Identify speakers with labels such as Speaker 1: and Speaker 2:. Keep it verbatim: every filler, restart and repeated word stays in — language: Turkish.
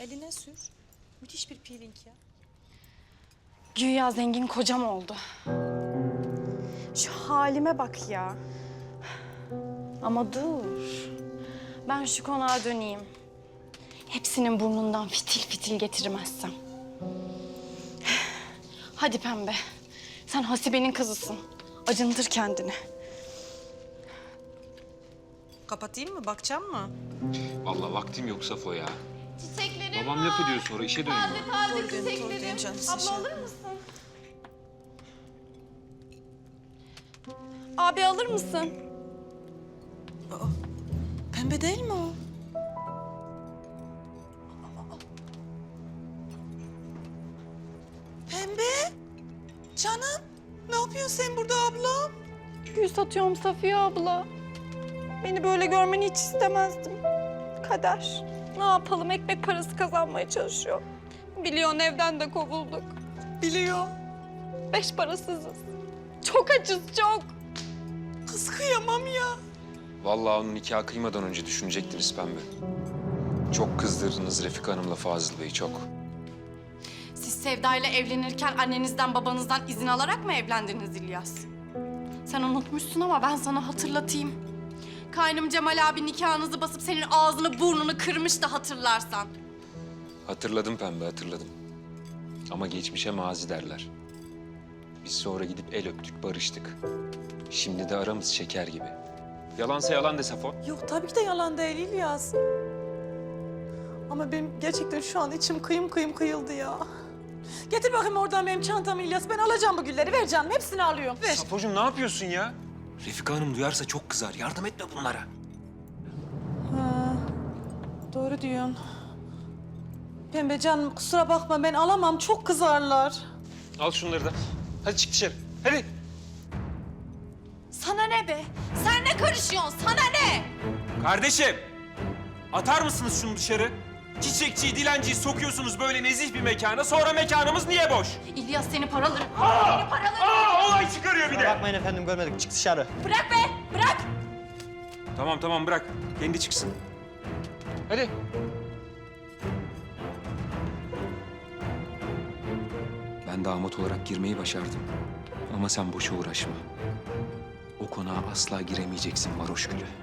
Speaker 1: Eline sür. Müthiş bir peeling ya.
Speaker 2: Güya zengin kocam oldu. Şu halime bak ya. Ama dur. Ben şu konağa döneyim. Hepsinin burnundan fitil fitil getirmezsem. Hadi Pembe. Sen Hasibe'nin kızısın. Acındır kendini.
Speaker 1: Kapatayım mı? Bakacağım mı?
Speaker 3: Vallahi vaktim yok Safo ya.
Speaker 2: Çiçeklerim
Speaker 3: Babam laf ediyor sonra işe dönüyor.
Speaker 2: Taze taze
Speaker 1: Koy dön, koy dön
Speaker 2: çiçeklerim.
Speaker 1: canım,
Speaker 2: Abla
Speaker 1: şey.
Speaker 2: alır mısın? Abi alır mısın?
Speaker 1: Pembe değil mi o? Pembe? Canım, ne yapıyorsun sen burada ablam?
Speaker 2: Gül satıyorum Safiye abla. Beni böyle görmeni hiç istemezdim. Kader. Ne yapalım, ekmek parası kazanmaya çalışıyor. Biliyorsun evden de kovulduk.
Speaker 1: Biliyor.
Speaker 2: Beş parasızız. Çok açız, çok.
Speaker 1: Kız kıyamam ya.
Speaker 3: Vallahi onun nikah kıymadan önce düşünecektiniz Pembe. Çok kızdırdınız Refika Hanım'la Fazıl Bey'i, çok.
Speaker 2: Siz Sevda'yla evlenirken annenizden babanızdan izin alarak mı evlendiniz İlyas? Sen unutmuşsun ama ben sana hatırlatayım. Kaynım Cemal abi nikahınızı basıp senin ağzını burnunu kırmış da hatırlarsan.
Speaker 3: Hatırladım Pembe, hatırladım. Ama geçmişe mazi derler. Biz sonra gidip el öptük, barıştık. Şimdi de aramız şeker gibi. Yalansa yalan de Safo.
Speaker 1: Yok tabii ki de yalan değil İlyas. Ama benim gerçekten şu an içim kıyım kıyım kıyıldı ya. Getir bakayım oradan benim çantamı İlyas. Ben alacağım bu gülleri. Ver canım. Hepsini alıyorum. Ver.
Speaker 3: Safocuğum ne yapıyorsun ya? Refika Hanım duyarsa çok kızar. Yardım etme bunlara.
Speaker 1: Ha, doğru diyorsun. Pembe canım kusura bakma ben alamam. Çok kızarlar.
Speaker 3: Al şunları da. Hadi çık dışarı. Hadi.
Speaker 2: Sana ne be? Sen ne karışıyorsun? Sana ne?
Speaker 4: Kardeşim, atar mısınız şunu dışarı? Çiçekçiyi, dilenciyi sokuyorsunuz böyle nezih bir mekana. Sonra mekanımız niye boş?
Speaker 2: İlyas seni paralarım.
Speaker 4: Aa!
Speaker 2: Seni paralarım.
Speaker 4: Aa, olay çıkarıyor bir de.
Speaker 5: Bakmayın efendim görmedik. Çık dışarı.
Speaker 2: Bırak be, bırak.
Speaker 3: Tamam tamam bırak. Kendi çıksın. Hadi. Ben damat olarak girmeyi başardım. Ama sen boşa uğraşma. O konağa asla giremeyeceksin varoş gülü.